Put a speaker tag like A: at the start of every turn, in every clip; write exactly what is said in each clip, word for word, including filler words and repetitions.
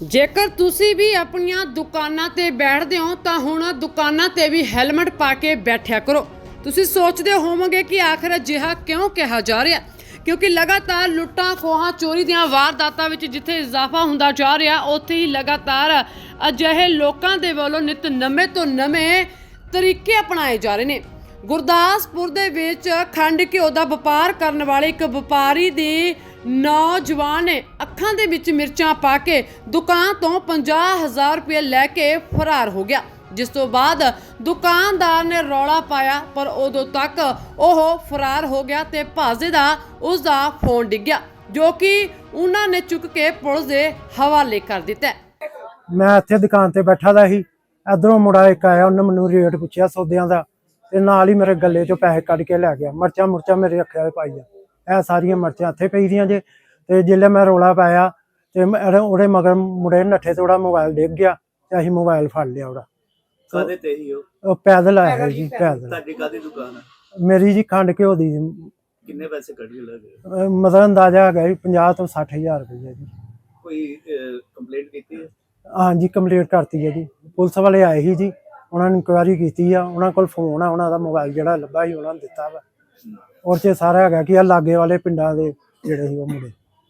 A: ਜੇਕਰ ਤੁਸੀਂ ਵੀ ਆਪਣੀਆਂ ਦੁਕਾਨਾਂ ਤੇ ਬੈਠਦੇ ਹੋ ਤਾਂ ਹੁਣ ਦੁਕਾਨਾਂ ਤੇ ਵੀ ਹੈਲਮਟ ਪਾ ਕੇ ਬੈਠਿਆ ਕਰੋ। ਤੁਸੀਂ ਸੋਚਦੇ ਹੋਵੋਗੇ ਕਿ ਆਖਰ ਅਜਿਹਾ ਕਿਉਂ ਕਿਹਾ ਜਾ ਰਿਹਾ, क्योंकि लगातार लुट्टां खोहां चोरी दीआं वारदातां विच जिथे इजाफा हुंदा जा रहा, उत्थे ही लगातार अजिहे लोकां दे वल्लों नित नਵੇਂ ਤੋਂ नਵੇਂ तरीके अपनाए जा रहे ने। गुरदासपुर दे विच खंड घिओ दा वपार करन वाले एक वपारी दी नौजवान ने अखां दे विच मिर्चां पा के दुकान तो पचास हज़ार रुपये लैके फरार हो गया, जिस तो बाद दुकानदार ने रौला पाया पर उदों तक वह फरार हो गया ते भाजे दा उसका फोन डिग गया, जो कि उन्होंने चुक के पुलिस के हवाले कर दिता है।
B: मैं इत्थे दुकान ते बैठा दा ही, इधरों मुड़ा एक आया, उन्हें मैनू रेट पुछया सौदियां दा ते नाल ही मेरे गले चों पैसे कढ के लै गया। मर्चां मुर्चां मेरे अखे पाई आ, सारियां मर्चां इत्थे पई दियां जे। ते जिल्ले मैं रौला पाया ते ओहदे मगर मुड़े नट्ठे ते ओहदा मोबाइल डिग गया ते असीं मोबाइल फड़ लिया ओहदा।
C: कादे ते ही हो?
B: ਉਹ ਪੈਦਲ ਆਇਆ ਜੀ, ਪੈਦਲ।
C: ਤੁਹਾਡੀ ਕਾਦੀ ਦੁਕਾਨ ਹੈ?
B: ਮੇਰੀ ਜੀ ਖੰਡ ਘਿਓ ਦੀ।
C: ਕਿੰਨੇ ਪੈਸੇ ਕੱਢ ਕੇ ਲੈ ਗਏ?
B: ਮਤਲਬ ਅੰਦਾਜ਼ਾ ਹੈਗਾ ਜੀ ਪੰਜਾਹ ਤੋਂ ਸੱਠ ਹਜ਼ਾਰ ਰੁਪਏ ਜੀ।
C: ਕੋਈ ਕੰਪਲੇਂਟ ਕੀਤੀ ਹੈ?
B: ਹਾਂਜੀ ਕੰਪਲੀਟ ਕਰਤੀ ਹੈ ਜੀ, ਪੁਲਿਸ ਵਾਲੇ ਆਏ ਸੀ ਜੀ, ਉਹਨਾਂ ਨੇ ਇਨਕੁਆਇਰੀ ਕੀਤੀ ਆ, ਉਹਨਾਂ ਕੋਲ ਫੋਨ ਆ, ਉਹਨਾਂ ਦਾ ਮੋਬਾਈਲ ਜਿਹੜਾ ਲੱਭਾ ਸੀ ਉਹਨਾਂ ਨੇ ਦਿੱਤਾ ਵਾ। ਔਰ ਚ ਸਾਰਾ ਹੈਗਾ ਕਿ ਆ ਲਾਗੇ ਵਾਲੇ ਪਿੰਡਾਂ ਦੇ ਜਿਹੜੇ ਸੀ ਉਹ ਮੁੰਡੇ।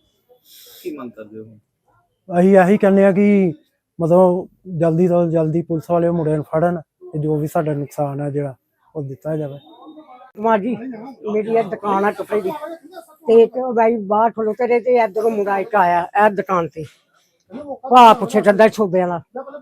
C: ਕੀ ਮੰਗ ਕਰਦੇ ਹੋ?
B: ਅਸੀਂ ਇਹੀ ਕਹਿੰਦੇ ਆ ਕਿ ਮਤਲਬ ਜਲਦੀ ਤੋਂ ਜਲਦੀ ਪੁਲਿਸ ਵਾਲੇ ਮੁੰਡੇ ਨੂੰ ਫੜਨ ਤੇ ਜੋ ਵੀ ਸਾਡਾ ਨੁਕਸਾਨ ਹੈ ਜਿਹੜਾ ਉਹ ਦਿੱਤਾ ਜਾਵੇ।
D: ਮਾਂ ਜੀ ਮੇਰੀ ਇਹ ਦੁਕਾਨ ਆ ਕੱਪੜੇ ਦੀ ਤੇ ਇੱਕ ਬਾਈ ਬਾਹਰ ਖਲੋਤੇ ਰਹੇ ਤੇ ਇਧਰੋਂ ਮੁੰਡਾ ਇੱਕ ਆਇਆ ਇਹ ਦੁਕਾਨ ਤੇ ਭਾ ਪੁੱਛੇ ਚੱਦਾ ਛੋਬੇ ਵਾਲਾ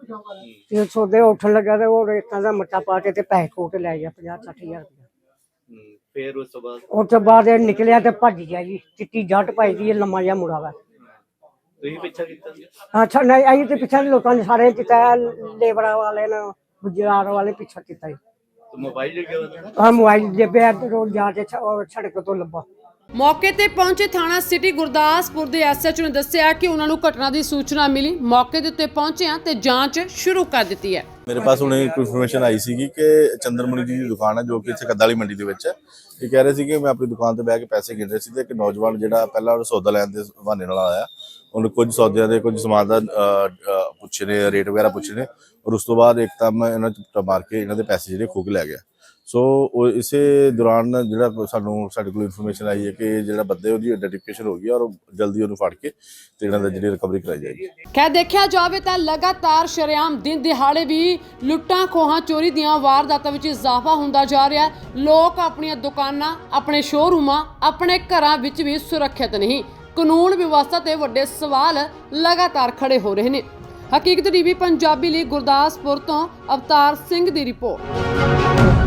D: ਤੇ ਛੋਬੇ ਉੱਠਣ ਲੱਗਾ ਤੇ ਉਹ ਰੇਤਾਂ ਦਾ ਮੱਟਾ ਪਾ ਕੇ ਤੇ ਪੈਸੇ ਖੋ ਕੇ ਲੈ ਗਿਆ ਪੰਜਾਹ ਸੱਠ ਹਜ਼ਾਰ ਰੁਪਇਆ।
C: ਫਿਰ ਉਸ ਤੋਂ ਬਾਅਦ
D: ਉਸ ਤੋਂ ਬਾਅਦ ਇਹ ਨਿਕਲਿਆ ਤੇ ਭੱਜ ਗਿਆ ਜੀ। ਚਿੱਟੀ ਜੱਟ ਪਾਈ ਦੀ ਲੰਮਾ ਜਿਹਾ ਮੁੰਡਾ ਵਾ।
C: ਤੁਸੀਂ ਪਿੱਛਾ ਕੀਤਾ?
D: ਅੱਛਾ ਨਹੀਂ ਆਈ ਤੇ ਪਿੱਛੇ ਲੋਕਾਂ ਨੇ ਸਾਰੇ ਕੀਤਾ, ਲੇਬਰਾਂ ਵਾਲੇ ਨੇ ਗੁਜਰਾਤ ਵਾਲੇ ਪਿੱਛਾ ਕੀਤਾ ਜੀ।
C: मोबाइल लेके आया?
D: ਆ ਮੋਬਾਈਲ ਜੇ ਬੈਠ ਰੋਡ ਜਾ ਕੇ ਸੜਕ ਤੋਂ ਲੱਭਾ।
A: मौके ते पहुंचे थाना सिटी गुरदासपुर के एस एच ओ ने दस्सिया कि उन्होंने घटना की सूचना मिली, मौके के उत्ते पहुंचे हैं ते जांच शुरू कर दी है।
E: मेरे पास उन्हें एक इन्फॉर्मेशन आई सी कि चंद्रमणि जी की दुकान है जो कि इत्थे कद्दाली मंडी के विच है। ये कह रहे थे कि मैं अपनी दुकान पर बह के पैसे गिन रहे थे, एक नौजवान जिहड़ा पहला सौदा लैण दे बहाने नाल आया, उन्हें कुछ सौदियां दे कुछ समान का पुछे ने, रेट वगैरह पुछे ने, और उस तो बाद एकदम इन्होंने चुप्टा मार के इन्हों के पैसे जिहड़े खो के लै गया। सो इसे दौरान जो सानू साडे कोल इन्फॉर्मेशन आई है कि जो बंदे उसकी आइडेंटिफिकेशन हो गई और जल्दी उन्होंने फड़ के ते इन्हां दा जिहड़ी रिकवरी कराई जाएगी।
A: खैर देखा जाए तो लगातार शरेआम दिन दिहाड़े भी लुट्टां खोहां चोरी दीआं वारदातां विच इजाफा हुंदा जा रहा है। लोग अपनी दुकानां, अपने शोरूमां, अपने घरां विच भी सुरक्षित नहीं। कानून व्यवस्था ते वड्डे सवाल लगातार खड़े हो रहे हैं। हकीकत टीवी पंजाबी लई गुरदासपुर तो अवतार सिंह दी रिपोर्ट।